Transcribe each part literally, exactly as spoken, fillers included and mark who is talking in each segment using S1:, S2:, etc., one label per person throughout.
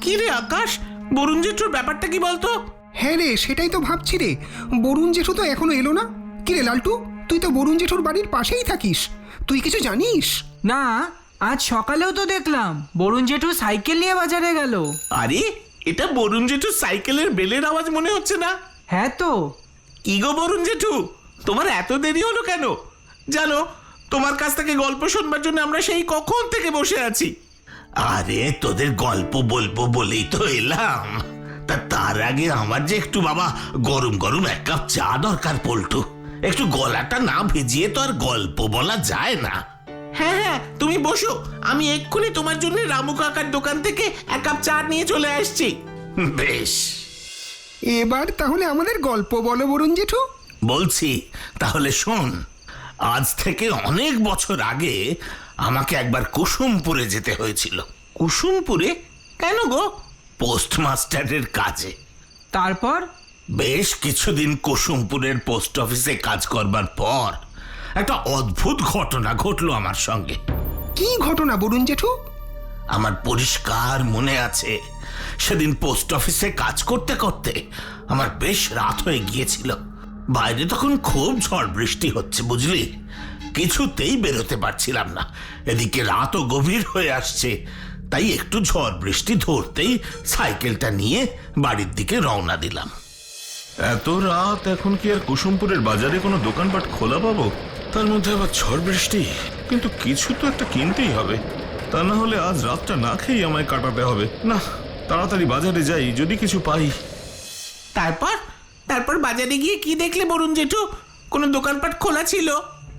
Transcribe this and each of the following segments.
S1: কি রে আকাশ, বরুণ জেঠুর ব্যাপারটা কি বলতো?
S2: হ্যাঁ রে, সেটাই তো ভাবছি রে। বরুণ জেঠু তো এখনো এলো না। কি রে লালটু, তুই তো বরুণ জেঠুর বাড়ির পাশেই থাকিস, তুই কিছু জানিস?
S3: না, আজ সকালেও তো দেখলাম বরুণ জেঠু সাইকেল নিয়ে বাজারে গেল।
S1: আরে, এটা বরুণ জেঠুর সাইকেলের বেলের আওয়াজ মনে হচ্ছে না?
S3: হ্যাঁ তো।
S1: কি গো বরুণ জেঠু, তোমার এত দেরি হলো কেন? জানো, তোমার কাছ থেকে গল্প শুনবার জন্য আমরা সেই কখন থেকে বসে আছি।
S4: আরে তোদের গল্প বলবো বলেই তো এলাম। তা তার আগে আমার যে একটু বাবা গরম গরম এক কাপ চা দরকার পল্টু। একটু গলাটা না ভিজিয়ে তো আর গল্প বলা যায় না।
S1: হ্যাঁ হ্যাঁ, তুমি বসো, আমি এক্ষুনি তোমার জন্য রামু কাকার দোকান থেকে এক কাপ চা নিয়ে চলে আসছি।
S4: বেশ,
S2: এবার তাহলে আমাদের গল্প বলো বরুণ জেঠু।
S4: বলছি তাহলে শোন। আজ থেকে অনেক বছর আগে আমাকে একবার কুসুমপুরে যেতে হয়েছিল।
S1: কুসুমপুরে? কেন গো?
S4: পোস্টমাস্টারের কাজে।
S3: তারপর?
S4: বেশ কিছুদিন কুসুমপুরের পোস্ট অফিসে কাজ করবার পর একটা অদ্ভুত ঘটনা ঘটলো আমার সঙ্গে।
S2: কি ঘটনা বরুণ জেঠু?
S4: আমার পরিষ্কার মনে আছে, সেদিন পোস্ট অফিসে কাজ করতে করতে আমার বেশ রাত হয়ে গিয়েছিল। বাইরে তখন খুব ঝড় বৃষ্টি হচ্ছে বুঝলি, কিছুতেই বেরোতে পারছিলাম না। এদিকে রাতও গভীর হয়ে আসছে, তাই একটু ঝড় বৃষ্টি ধরতেই সাইকেলটা নিয়ে বাড়ির দিকে রওনা দিলাম।
S5: এত রাত এখন কি আর কুসুমপুরের বাজারে কোনো দোকানপাট খোলা পাবো? তার মধ্যে আবার ঝড় বৃষ্টি। কিন্তু কিছু তো একটা কিনতেই হবে, তা না হলে আজ রাতটা না খেয়ে আমায় কাটাতে হবে। না, তাড়াতাড়ি বাজারে যাই, যদি কিছু পাই।
S1: তারপর তারপর বাজারে গিয়ে কি দেখলে বরুণ জেঠু? কোনো দোকানপাট খোলা ছিল?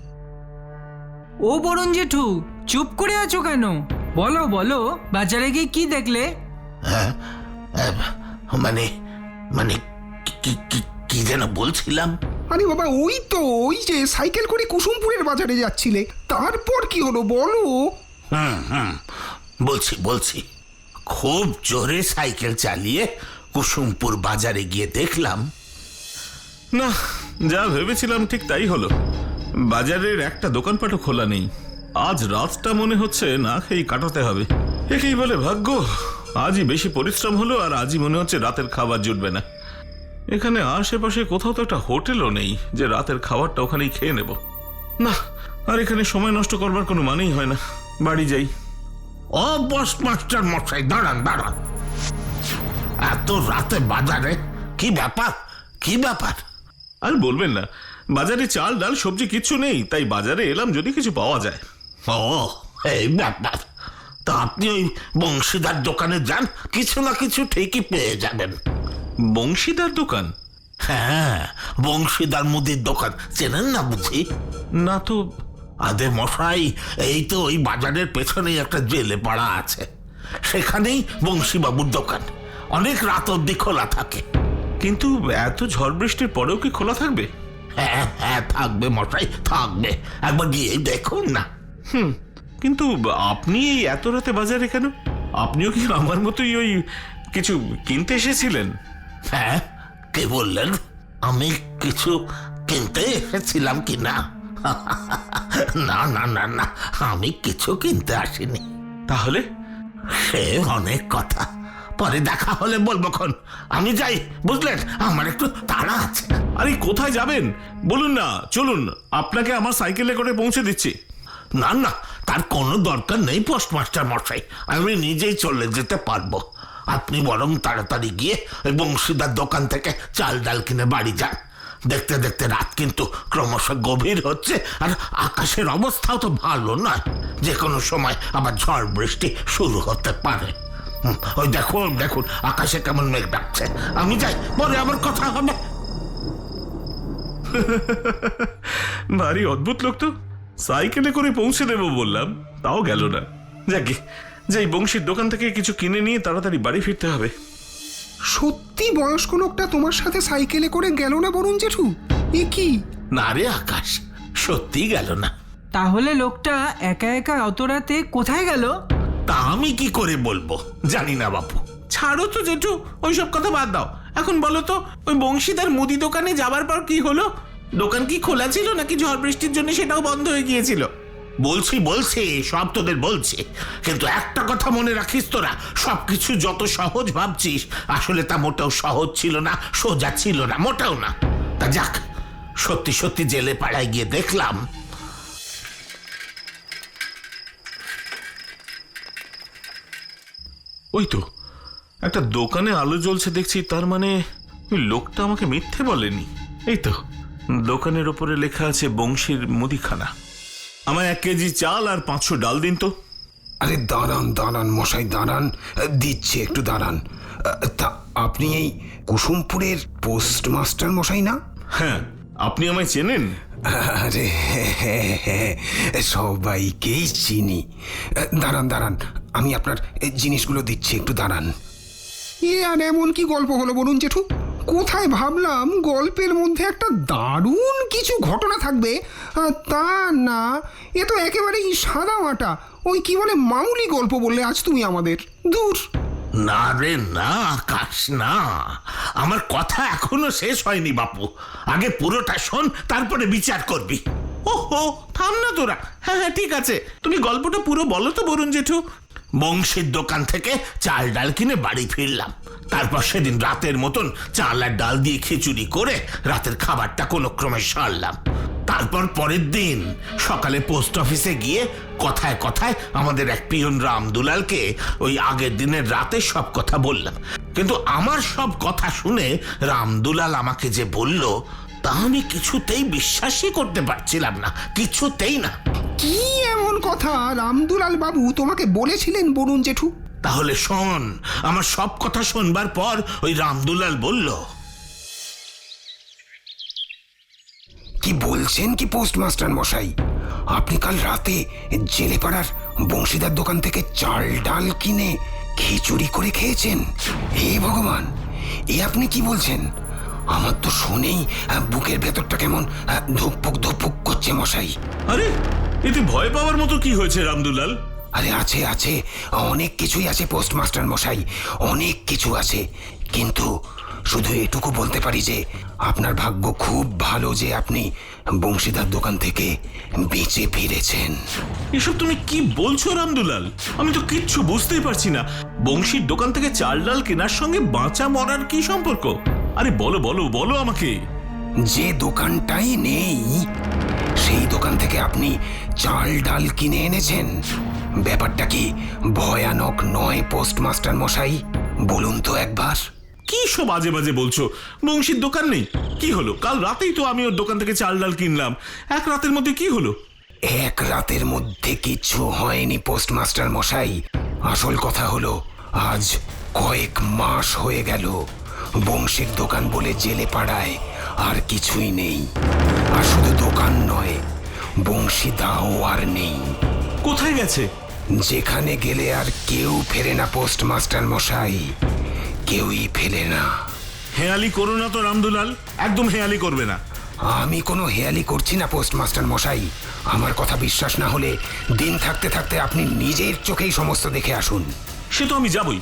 S3: ও বরুণ জেঠু, চুপ করে আছো কেন? বলো বলো, বাজারে গিয়ে কি দেখলে?
S4: হ্যাঁ, মানে মানে কি- কি- কি যেন বলছিলাম।
S2: আরে বাবা, ওই তো ওই যে সাইকেল করে কুসুমপুরের বাজারে যাচ্ছিলে, তারপর কি হলো বলো?
S4: হুম হুম বলছি বলছি খুব জোরে সাইকেল চালিয়ে কুসুমপুর বাজারে গিয়ে দেখলাম,
S5: না, যা ভেবেছিলাম ঠিক তাই হলো। বাজারের একটা দোকানপাটও খোলা নেই। আজ রাতটা মনে হচ্ছে না খেয়ে কাটাতে হবে। একেই বলে ভাগ্য। আজই বেশি পরিশ্রম হলো, আর আজই মনে হচ্ছে রাতের খাবার জুটবে না। এখানে আশেপাশে কোথাও তো একটা হোটেলও নেই যে রাতের খাবারটা ওখানেই খেয়ে নেব। না, আর এখানে সময় নষ্ট করবার কোনো মানেই হয় না। বাড়ি যাই।
S4: ও বস মাস্টার মশাই, দাঁড়ান দাঁড়ান, এত রাতে বাজারে? কি ব্যাপার কি ব্যাপার?
S5: আর বলবেন না, বাজারে চাল ডাল সবজি কিচ্ছু নেই, তাই বাজারে এলাম যদি কিছু পাওয়া যায়।
S4: ও এই ব্যাপার। তা আপনি ওই বংশীদার দোকানে যান, কিছু না কিছু ঠিকই পেয়ে যাবেন।
S5: বংশীদার দোকান?
S4: হ্যাঁ, বংশীদার মুদির দোকান চেনেন না বুঝি?
S5: না তো।
S4: আদে মশাই, এই তো ওই বাজারের পেছনেই একটা জেলে পাড়া আছে, সেখানেই বংশীবাবুর দোকান। অনেক রাত অব্দি খোলা থাকে।
S5: কিন্তু এত ঝড় বৃষ্টির পরেও কি খোলা থাকবে?
S4: হ্যাঁ হ্যাঁ থাকবে মশাই, থাকবে, একবার গিয়ে দেখুন না।
S5: হুম, কিন্তু আপনি এই এত রাতে বাজারে কেন? আপনিও কি আমার মতোই ওই কিছু কিনতে এসেছিলেন?
S4: হ্যাঁ, কে বললেন আমি কিছু কিনতে এসেছিলাম কি না? না না না না, আমি কিছু কিনতে আসিনি।
S5: তাহলে?
S4: সে অনেক কথা, পরে দেখা হলে বলবো খন। আমি যাই, বুঝলেন, আমার একটু তাড়া আছে।
S5: আরে কোথায় যাবেন বলুন না, চলুন, আপনাকে আমার সাইকেলে করে পৌঁছে দিচ্ছি।
S4: না না, তার কোনো দরকার নেই পোস্টমাস্টার মশাই, আমি নিজেই চলে যেতে পারবো। আপনি বরং তাড়াতাড়ি গিয়ে ওই বংশীদার দোকান থেকে চাল ডাল কিনে বাড়ি যান। দেখতে দেখতে রাত কিন্তু ক্রমশ গভীর হচ্ছে, আর আকাশের অবস্থাও তো ভালো নয়, যে কোনো সময় আবার ঝড় বৃষ্টি শুরু হতে পারে। হুম, ওই দেখুন দেখুন আকাশে কেমন মেঘ ডাকছে। আমি যাই, পরে আবার কথা হবে।
S5: ভারী অদ্ভুত লোক তো। সাইকেলে করে পৌঁছে দেবো বললাম, তাও গেল না। যাকে যাই, বংশীর দোকান থেকে কিছু কিনে নিয়ে তাড়াতাড়ি বাড়ি ফিরতে হবে।
S2: সত্যি বয়স্ক লোকটা তোমার সাথে সাইকেলে করে গেল না বরুণ জেঠু? এ কি?
S4: না রে আকাশ, সত্যি গেল না।
S3: তাহলে লোকটা একা একা অত রাতে কোথায় গেল?
S4: তা আমি কি করে বলবো, জানি না বাপু।
S1: ছাড়ো তো জেঠু, ওইসব কথা বাদ দাও। এখন বলো তো, ওই বংশীদার মুদি দোকানে যাবার পর কি হলো? দোকান কি খোলা ছিল নাকি ঝড় বৃষ্টির জন্য সেটাও বন্ধ হয়ে গিয়েছিল?
S4: বলছি বলছি সব তোদের বলছি, কিন্তু একটা কথা মনে রাখিস তোরা, সবকিছু যত সহজ ভাবছিস আসলে তা মোটেও সহজ ছিল না, সোজা ছিল না, মোটেও না। তা যাক, সত্যি সত্যি জেলে পাড়ায় গিয়ে দেখলাম
S5: ওই তো একটা দোকানে আলো জ্বলছে দেখছি, তার মানে ওই লোকটা আমাকে মিথ্যে বলেনি। এই তো দোকানের ওপরে লেখা আছে বংশীর মুদিখানা। আমায় এক কেজি চাল আর পাঁচশো ডাল দিন তো।
S2: আরে দাঁড়ান দাঁড়ান মশাই, দাঁড়ান, দিচ্ছে, একটু দাঁড়ান। তা আপনি এই কুসুমপুরের পোস্টমাস্টার মশাই না?
S5: হ্যাঁ, আপনি আমায় চেনেন?
S2: আরে হ্যাঁ হ্যাঁ, সবাইকেই চিনি। দাঁড়ান দাঁড়ান, আমি আপনার জিনিসগুলো দিচ্ছি, একটু দাঁড়ান। এ আর এমন কি গল্প হলো বলুন জেঠু? কোথায় ভাবলাম গল্পের মধ্যে একটা দারুণ কিছু ঘটনা থাকবে, আর তা না, এ তো একেবারেই সাদা মাটা ওই কি বলে মামুলি গল্প বললে আজ তুমি আমাদের। দূর।
S4: না রে না আকাশ, না, আমার কথা এখনো শেষ হয়নি বাপু। আগে পুরোটা শোন, তারপরে বিচার করবি।
S1: ওহো, থাম না তোরা। হ্যাঁ হ্যাঁ ঠিক আছে, তুমি গল্পটা পুরো বলো তো বরুণ জেঠু।
S4: বংশীর দোকান থেকে চাল ডাল কিনে বাড়ি ফিরলাম। তারপর সেদিন রাতের মতন চাল আর ডাল দিয়ে খিচুড়ি করে রাতের খাবারটা কোনো ক্রমে সারলাম। তারপর পরের দিন সকালে পোস্ট অফিসে গিয়ে কথায় কথায় আমাদের এক পিয়ন রামদুলালকে ওই আগের দিনের রাতে সব কথা বললাম। কিন্তু আমার সব কথা শুনে রামদুলাল আমাকে যে বলল তা আমি কিছুতেই বিশ্বাসই করতে পারছিলাম না, কিছুতেই না।
S2: কি এমন কথা রামদুলাল বাবু তোমাকে বলেছিলেন বরুণ জেঠু?
S4: তাহলে শোন, আমার সব কথা শুনবার পর ওই রামদুলাল বলল,
S2: কি বলছেন কি পোস্টমাস্টার মশাই, আপনি কাল রাতে জেলেপাড়ার বংশীদার দোকান থেকে চাল ডাল কিনে খিচুড়ি করে খেয়েছেন? হে ভগবান, এ আপনি কি বলছেন? আমার তো শুনেই বুকের ভেতরটা কেমন ধুকপুক ধুকপুক করছে মশাই।
S5: আরে এতে ভয় পাওয়ার মতো কি হয়েছে রামদুলাল?
S2: আরে আছে আছে, অনেক কিছুই আছে পোস্টমাস্টার মশাই, অনেক কিছু আছে। কিন্তু শুধু এটুকু বলতে পারি যে আপনার ভাগ্য খুব ভালো যে আপনি বংশীদার দোকান থেকে বেঁচে ফিরেছেন।
S5: এসব তুমি কি বলছো রামদুলাল? আমি তো কিচ্ছু বুঝতেই পারছি না। বংশীর দোকান থেকে চাল ডাল কেনার সঙ্গে বাঁচা মরার কি সম্পর্ক? আরে বলো বলো বলো আমাকে।
S2: যে দোকানটাই নেই সেই দোকান থেকে আপনি চাল ডাল কিনে এনেছেন। ব্যাপারটা কি ভয়ানক নয় পোস্টমাস্টার মশাই? বলুন তো একবার।
S5: কি সব বাজে বাজে বলছো? বংশীর দোকান নেই? কি হলো? কাল রাতেই তো আমি ওর দোকান থেকে চাল ডাল কিনলাম। এক রাতের মধ্যে কি হলো?
S2: এক রাতের মধ্যে কিছু হয়নি পোস্টমাস্টার মশাই। আসল কথা হলো আজ কয়েক মাস হয়ে গেল বংশীর দোকান বলে জেলে পাড়ায় আর কিছুই নেই। আর শুধু দোকান নয়, বংশীদাও আর নেই।
S5: কোথায় গেছে?
S2: যেখানে গেলে আর কেউ ফেরে না পোস্টমাস্টার মশাই, কেউই ফেলে না।
S5: হেয়ালি করো না তো রামদুলাল, একদম হেয়ালি করবে না।
S2: আমি কোনো হেয়ালি করছি না পোস্টমাস্টার মশাই। আমার কথা বিশ্বাস না হলে দিন থাকতে থাকতে আপনি নিজের চোখেই সমস্ত দেখে আসুন।
S5: সে তো আমি যাবই।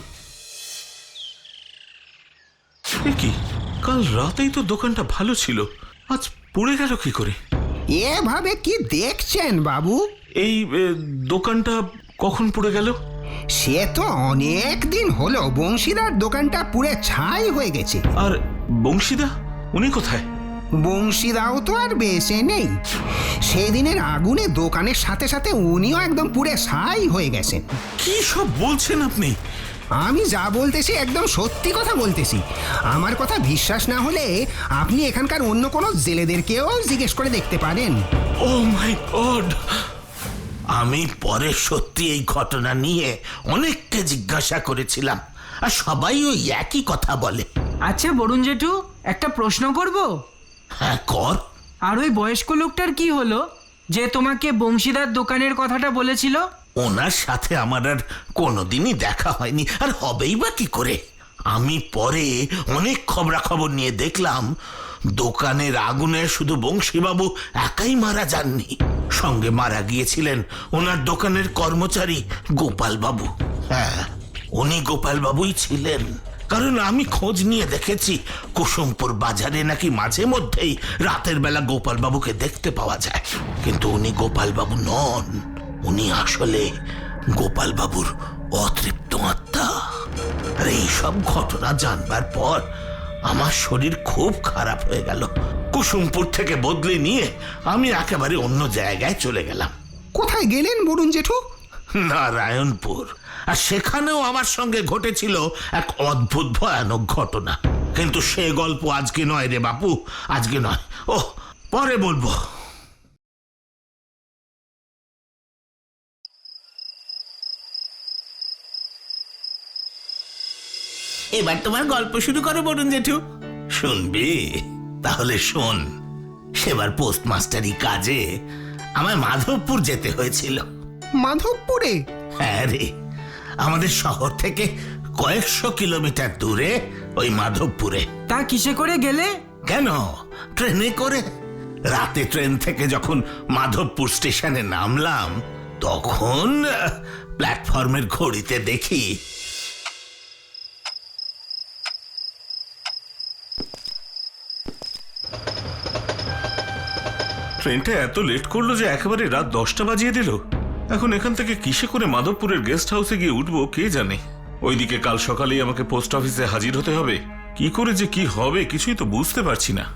S5: এ কি, কাল রাতেই তো দোকানটা ভালো ছিল, আজ পুড়ে গেল কি করে?
S2: এভাবে কি দেখছেন বাবু?
S5: এই এ, দোকানটা কখন পুড়ে গেল?
S2: সে তো অনেক দিন হলো বংশীদার দোকানটা পুড়ে ছাই হয়ে গেছে।
S5: আর বংশীদা, উনি কোথায়?
S2: বংশীদাও তো আর বেঁচে নেই। সেদিনের আগুনে দোকানের সাথে সাথে উনিও একদম পুড়ে ছাই হয়ে গেছেন।
S5: কি সব বলছেন আপনি?
S2: আমি যা বলতেছি একদম সত্যি কথা বলতেছি। আমার কথা বিশ্বাস না হলে আপনি এখানকার অন্য কোনো জেলেদেরকেও জিজ্ঞেস করে দেখতে পারেন।
S5: Oh my god!
S4: আমি পরে সত্যি এই ঘটনা নিয়ে অনেককে জিজ্ঞাসা করেছিলাম, আর সবাই ওই একই কথা বলে।
S3: আচ্ছা বরুণ জেঠু, একটা প্রশ্ন করব?
S4: হ্যাঁ কর।
S3: আর ওই বয়স্ক লোকটার কি হলো যে তোমাকে বংশীদার দোকানের কথাটা বলেছিল?
S4: ওনার সাথে আমার আর কোনোদিনই দেখা হয়নি, আর হবেই বা কি করে। আমি পরে অনেক খবরাখবর নিয়ে দেখলাম দোকানের আগুনে শুধু বংশীবাবু একাই মারা যাননি, সঙ্গে মারা গিয়েছিলেন ওনার দোকানের কর্মচারী গোপাল বাবু। হ্যাঁ, উনি গোপাল বাবুই ছিলেন। কারণ আমি খোঁজ নিয়ে দেখেছি কুসুমপুর বাজারে নাকি মাঝে মধ্যেই রাতের বেলা গোপাল বাবুকে দেখতে পাওয়া যায়, কিন্তু উনি গোপাল বাবু নন, উনি আসলে গোপাল বাবুর অতৃপ্ত আত্মা। আর এইসব ঘটনা জানবার পর আমার শরীর খুব খারাপ হয়ে গেল। কুসুমপুর থেকে বদলে নিয়ে আমি একেবারে অন্য জায়গায় চলে গেলাম।
S2: কোথায় গেলেন বরুণ জেঠু?
S4: নারায়ণপুর। আর সেখানেও আমার সঙ্গে ঘটেছিল এক অদ্ভুত ভয়ানক ঘটনা, কিন্তু সে গল্প আজকে নয় রে বাপু, আজকে নয়, ও পরে বলবো।
S1: এবার তোমার গল্প শুরু করো বরুণ জেঠু।
S4: শুনবি? তাহলে শোন। সেবার পোস্টমাস্টারি কাজে আমার মাধবপুর যেতে হয়েছিল।
S2: মাধবপুরে?
S4: হ্যাঁ রে, আমাদের শহর থেকে কয়েকশো কিলোমিটার দূরে ওই মাধবপুরে।
S3: তা কিসে করে গেলে?
S4: কেন, ট্রেনে করে। রাতে ট্রেন থেকে যখন মাধবপুর স্টেশনে নামলাম তখন আহ, প্ল্যাটফর্মের ঘড়িতে দেখি
S5: ট্রেনটা এত লেট করলো যে একেবারে রাত দশটা বাজিয়ে দিল। এখন এখান থেকে কিসে করে মাধবপুরের গেস্ট হাউসে গিয়ে উঠবো কে জানে। ওইদিকে কাল সকালেই আমাকে পোস্ট অফিসে হাজির হতে হবে। কি করে যে কি হবে কিছুই তো বুঝতে পারছি না।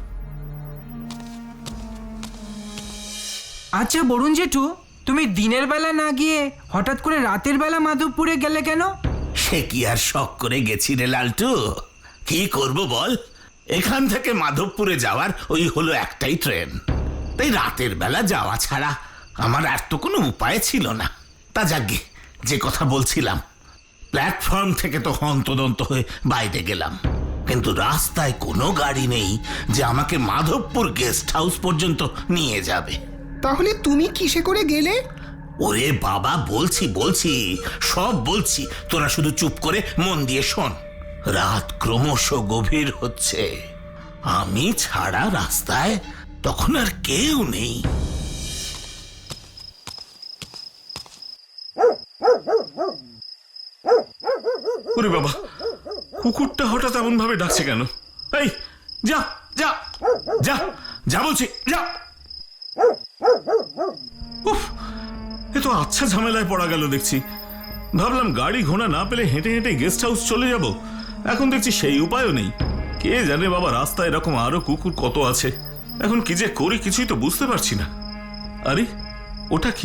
S3: আচ্ছা বরুণ জেঠু, তুমি দিনের বেলা না গিয়ে হঠাৎ করে রাতের বেলা মাধবপুরে গেলে কেন?
S4: সে কি আর শখ করে গেছি রে লালটু, কি করব বল। এখান থেকে মাধবপুরে যাওয়ার ওই হলো একটাই ট্রেন, তাই রাতের বেলা যাওয়া ছাড়া আমার আর তো কোনো উপায় ছিল না। তা যাগে, যে কথা বলছিলাম, প্ল্যাটফর্ম থেকে তো হন্তদন্ত হয়ে বাইরে গেলাম, কিন্তু রাস্তায় কোনো গাড়ি নেই যে আমাকে মাধবপুর গেস্ট হাউস পর্যন্ত নিয়ে যাবে।
S2: তাহলে তুমি কিসে করে গেলে?
S4: ওরে বাবা, বলছি বলছি সব বলছি, তোরা শুধু চুপ করে মন দিয়ে শোন। রাত ক্রমশ গভীর হচ্ছে, আমি ছাড়া রাস্তায় তখন আর কেউ নেই।
S5: ওরে বাবা, কুকুরটা হঠাৎ এমন ভাবে ডাকছে কেন? এই যা যা
S4: যা যা বলছি, যা।
S5: উফ, এ তো আচ্ছা ঝামেলায় পড়া গেল দেখছি। ভাবলাম গাড়ি ঘোড়া না পেলে হেঁটে হেঁটে গেস্ট হাউস চলে যাব, এখন দেখছি সেই উপায়ও নেই। কে জানে বাবা, রাস্তায় এরকম আরো কুকুর কত আছে। এখন কি যে করি কিছুই তো বুঝতে পারছি না। আরে ওটা কি?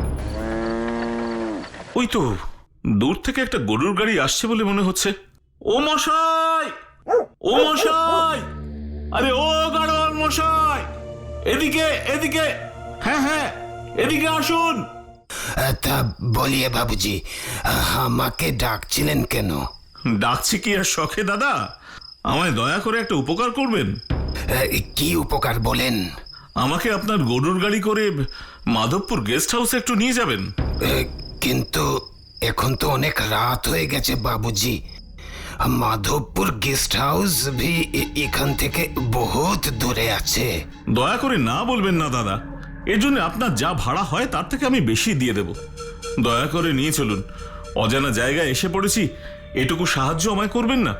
S5: ওই তো দূর থেকে একটা গরুর গাড়ি আসছে বলে মনে হচ্ছে। ও মশাই, ও মশাই, আরে ও গাড়োয়ান মশাই, এদিকে এদিকে, হ্যাঁ হ্যাঁ এদিকে আসুন।
S2: তা বলিয়ে বাবুজি, আমাকে ডাকছিলেন কেন?
S5: ডাকছি কি আর শখে দাদা, আমায় দয়া করে একটা উপকার করবেন।
S2: কি উপকার বলেন?
S5: আমাকে আপনার গরুর গাড়ি করে মাধবপুর গেস্ট হাউসে একটু নিয়ে যাবেন।
S2: কিন্তু এখন তো অনেক রাত হয়ে গেছে বাবুজি। মাধবপুর গেস্ট হাউস ভি এখান থেকে বহুত দূরে আছে।
S5: দয়া করে না বলবেন না দাদা, এর জন্য আপনার যা ভাড়া হয় তার থেকে আমি বেশি দিয়ে দেব। দয়া করে নিয়ে চলুন, অজানা জায়গায় এসে পড়েছি, এটুকু সাহায্য আমায় করবেন না?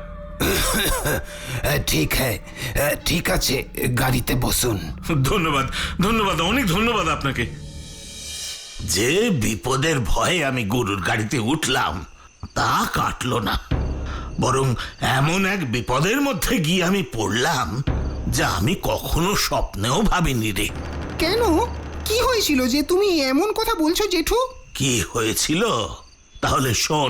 S2: ঠিক হ্যাঁ, ঠিক আছে, গাড়িতে বসুন।
S5: ধন্যবাদ ধন্যবাদ, অনেক ধন্যবাদ আপনাকে।
S4: যে বিপদের ভয়ে আমি গরুর গাড়িতে উঠলাম তা কাটলো না, বরং এমন এক বিপদের মধ্যে গিয়ে আমি পড়লাম যা আমি কখনো স্বপ্নেও ভাবিনি রে।
S2: কেন, কি হয়েছিল যে তুমি এমন কথা বলছো জেঠু?
S4: কি হয়েছিল তাহলে শোন।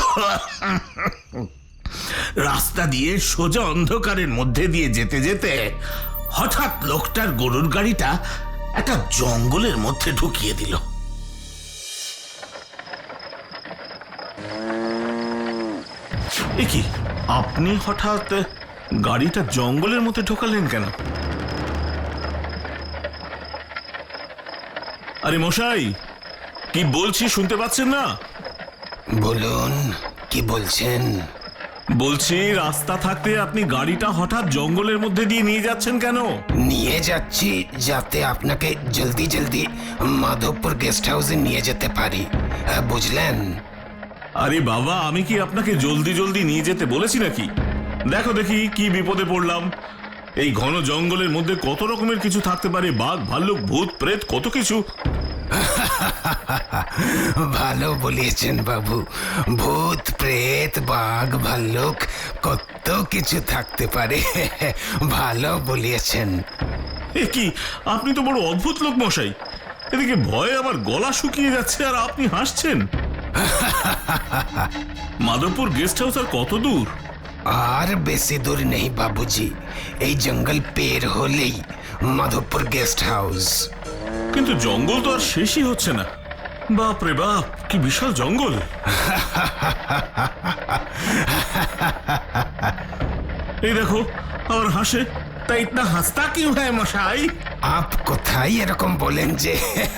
S4: রাস্তা দিয়ে সোজা অন্ধকারের মধ্যে দিয়ে যেতে যেতে হঠাৎ লোকটার গরুর গাড়িটা একটা জঙ্গলের মধ্যে ঢুকিয়ে দিল।
S5: এ কি, আপনি হঠাৎ গাড়িটা জঙ্গলের মধ্যে ঢোকালেন কেন? আরে মশাই, কি বলছি শুনতে পাচ্ছেন না?
S2: বলুন, কি বলছেন?
S5: বলছি রাস্তা থাকতে আপনি গাড়িটা হঠাৎ জঙ্গলের মধ্যে দিয়ে নিয়ে যাচ্ছেন কেন?
S2: নিয়ে যাচ্ছি যাতে আপনাকে জলদি জলদি মাধবপুর গেস্ট হাউসে নিয়ে যেতে পারি, বুঝলেন?
S5: আরে বাবা, আমি কি আপনাকে জলদি জলদি নিয়ে যেতে বলেছি নাকি? দেখো দেখি কি বিপদে পড়লাম। এই ঘন জঙ্গলের মধ্যে কত রকমের কিছু থাকতে পারে, বাঘ ভাল্লুক ভূত প্রেত কত কিছু।
S2: ভালো বলিয়েছেন বাবু, ভূত প্রেত বাঘ ভাল্লুক কত কিছু থাকতে পারে। ভালো বলিয়েছেন।
S5: এ কি, আপনি তো বড় অদ্ভুত লোক মশাই। এদিকে ভয়ে আমার গলা শুকিয়ে যাচ্ছে আর আপনি হাসছেন। মাধবপুর গেস্ট হাউস আর কত দূর?
S2: আর বেশি দূর নেই বাবুজি, এই জঙ্গল পের হলেই মাধবপুর গেস্ট হাউস।
S5: কিন্তু জঙ্গল তো আর শেষই হচ্ছে না। বাপ রে বাপ, কি বিশাল জঙ্গল। এই দেখো আর হাসে।
S4: তা ইতনা হাসতা কিউ হ্যায় মশাই?
S2: আপ কোথায় এরকম বলেন যে?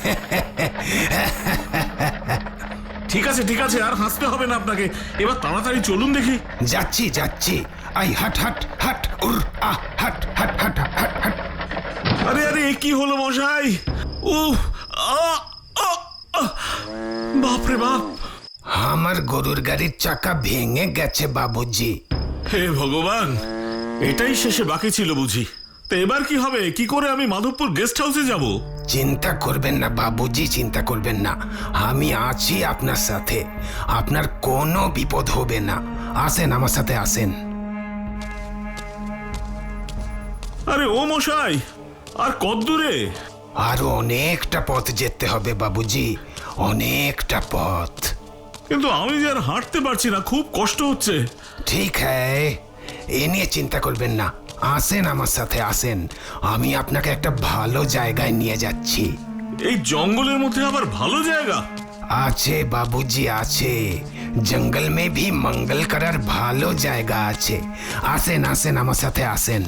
S5: ঠিক আছে ঠিক আছে, আর হাসতে হবে না আপনাকে। এবার তাড়াতাড়ি চলুন দেখি।
S2: যাচ্ছি যাচ্ছি, আই হাট হাট হাট উর আ হাট হাট হাট হাট হাট।
S5: আরে আরে, এ কি হলো মশাই? উহ, আ, আ, আ। বাপ রে বাপ,
S2: আমার গরুর গাড়ির চাকা ভেঙে গেছে বাবুজি।
S5: হে ভগবান, এটাই শেষে বাকি ছিল বুঝি। তো এবার কি হবে? কি করে আমি মাধবপুর গেস্ট হাউসে যাব?
S2: চিন্তা করবেন না বাবুজি, চিন্তা করবেন না, আমি আছি আপনার সাথে। আপনার কোনো বিপদ হবে না। আসেন আমার সাথে, আসেন।
S5: আরে ও মশাই, আর কত দূরে?
S2: আরো অনেকটা পথ যেতে হবে বাবুজি, অনেকটা পথ।
S5: কিন্তু আমি যে আর হাঁটতে পারছি না, খুব কষ্ট হচ্ছে।
S2: ঠিক হ্যায়, এ নিয়ে চিন্তা করবেন না। আসেন আমার সাথে, আসেন। আমি আপনাকে একটা ভালো জায়গায় নিয়ে যাচ্ছি।
S5: এই জঙ্গলের মধ্যে আবার ভালো জায়গা?
S2: আছে বাবুজি, আছে। জঙ্গল মে ভি মঙ্গল করার ভালো জায়গা আছে। আসেন আসেন আমার সাথে, আসেন।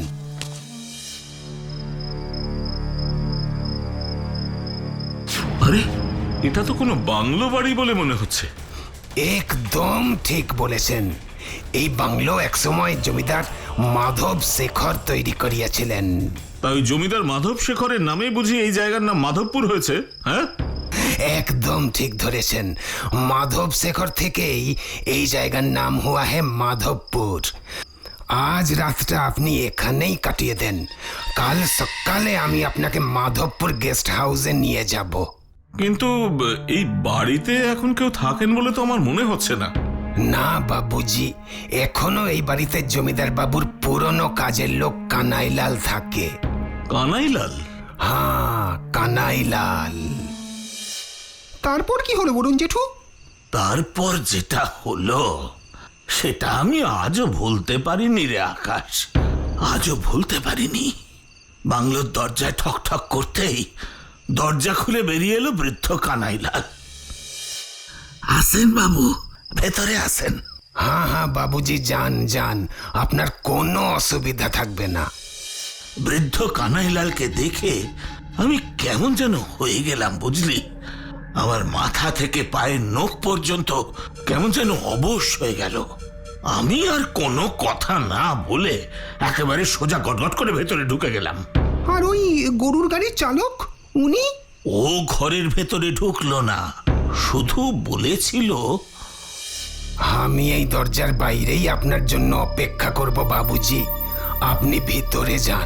S5: আরে, এটা তো কোনো বাংলো বাড়ি বলে মনে হচ্ছে।
S2: একদম ঠিক বলেছেন। এই বাংলো একসময় জমিদার মাধব শেখর তৈরি করিয়াছিলেন।
S5: তাই জমিদার মাধব শেখরের নামে বুঝি এই জায়গার নাম মাধবপুর হয়েছে? হ্যাঁ,
S2: একদম ঠিক ধরেছেন। মাধব শেখর থেকেই এই জায়গার নাম হুয়া হে মাধবপুর। আজ রাতটা আপনি এখানেই কাটিয়ে দেন, কাল সকালে আমি আপনাকে মাধবপুর গেস্ট হাউসে নিয়ে যাব।
S5: কিন্তু এই বাড়িতে এখন কেউ থাকেন বলে তো আমার মনে হচ্ছে না।
S2: না বাবুজি, এখনো এই বাড়িতে জমিদার বাবুর পুরনো কাজের লোক কানাইলাল থাকে।
S5: কানাইলাল?
S2: হ্যাঁ, কানাইলাল। তারপর কি হলো বলুন জেঠু?
S4: তারপর যেটা হলো সেটা আমি আজও ভুলতে পারিনি রে আকাশ, আজও ভুলতে পারিনি। বাংলোর দরজায় ঠক ঠক করতেই দরজা খুলে বেরিয়ে এলো বৃদ্ধ কানাইলাল। আসেন বাবু, ভেতরে আসেন।
S2: হ্যাঁ হ্যাঁ বাবুজি, যান যান, আপনার কোনো অসুবিধা থাকবে না।
S4: বৃদ্ধ কানাইলালকে দেখে আমি কেমন যেন হয়ে গেলাম বুঝলি। আমার মাথা থেকে পায়ের নখ পর্যন্ত কেমন যেন অবশ হয়ে গেল। আমি আর কোনো কথা না বলে একেবারে সোজা গটগট করে ভেতরে ঢুকে গেলাম।
S2: আর ওই গরুর গাড়ির চালক, উনি?
S4: ও ঘরের ভেতরে ঢুকলো না, শুধু বলেছিল,
S2: আমি এই দরজার বাইরেই আপনার জন্য অপেক্ষা করব বাবুজি, আপনি ভিতরে যান।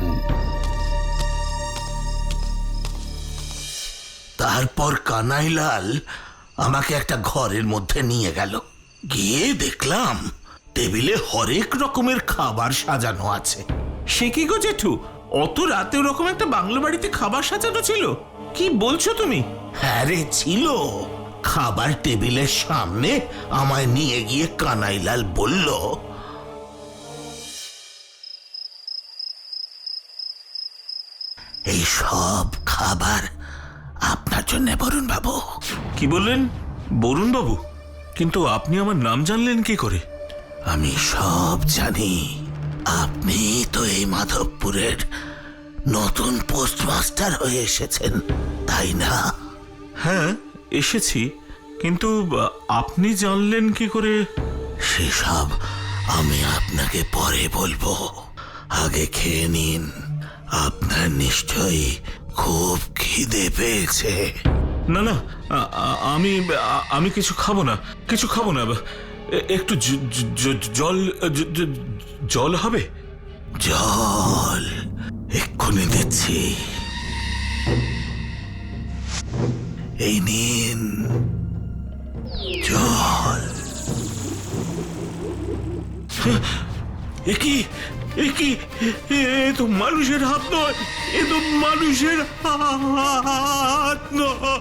S4: তারপর কানাইলাল আমাকে একটা ঘরের মধ্যে নিয়ে গেল। গিয়ে দেখলাম টেবিলে হরেক রকমের খাবার সাজানো আছে।
S1: সে কি গো জেঠু, অত রাতে ওরকম একটা বাংলো বাড়িতে খাবার সাজানো ছিল? কি বলছো তুমি?
S4: হ্যাঁ রে, ছিল। খাবার টেবিলের সামনে আমায় নিয়ে গিয়ে কানাইলাল বলল, এই সব খাবার আপনার জন্য বরুণ বাবু।
S5: কি বললেন? বরুণ বাবু? কিন্তু আপনি আমার নাম জানলেন কি করে?
S4: আমি সব জানি। আপনি তো এই মাধবপুরের নতুন পোস্টমাস্টার হয়ে এসেছেন, তাই না?
S5: হ্যাঁ, এসেছি। কিন্তু আপনি জানলেন কি করে?
S4: সেসব আমি আপনাকে পরে বলবো, আগে খেয়ে নিন। আপনার নিশ্চয়ই খুব খিদে পেয়েছে।
S5: না না আ- আ- আমি আ- আমি কিছু খাবো না, কিছু খাবো না। এ- একটু জ- জ- জ- জল জ- জ- জল হবে?
S4: জল এক্ষুনি দিচ্ছি। এই নিন জল।
S5: এ কি এ কি এ তো মানুষের হাত নয়, এ তো মানুষের হাত নয়।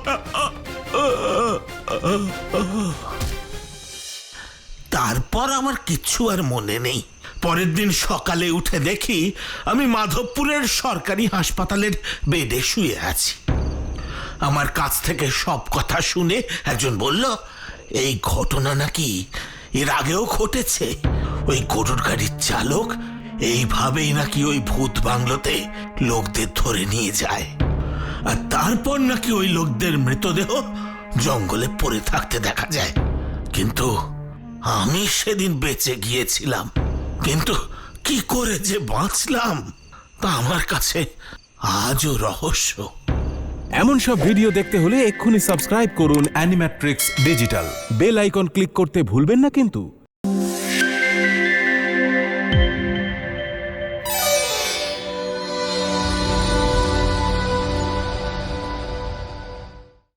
S4: তারপর আমার কিচ্ছু আর মনে নেই। পরের দিন সকালে উঠে দেখি আমি মাধবপুরের সরকারি হাসপাতালের বেডে শুয়ে আছি। আমার কাছ থেকে সব কথা শুনে একজন বলল, এই ঘটনা নাকি এর আগেও ঘটেছে। ওই গরুর গাড়ির চালক এইভাবেই নাকি ওই ভূত বাংলোতে লোকদের ধরে নিয়ে যায়, আর তারপর নাকি ওই লোকদের মৃতদেহ জঙ্গলে পড়ে থাকতে দেখা যায়। কিন্তু আমি সেদিন বেঁচে গিয়েছিলাম, কিন্তু কি করে যে বাঁচলাম তা আমার কাছে আজও রহস্য।
S6: এমন সব ভিডিও দেখতে হলে এক্ষুনি সাবস্ক্রাইব করুন Animatrix digital. Bell icon click করতে ভুলবেন না কিন্তু।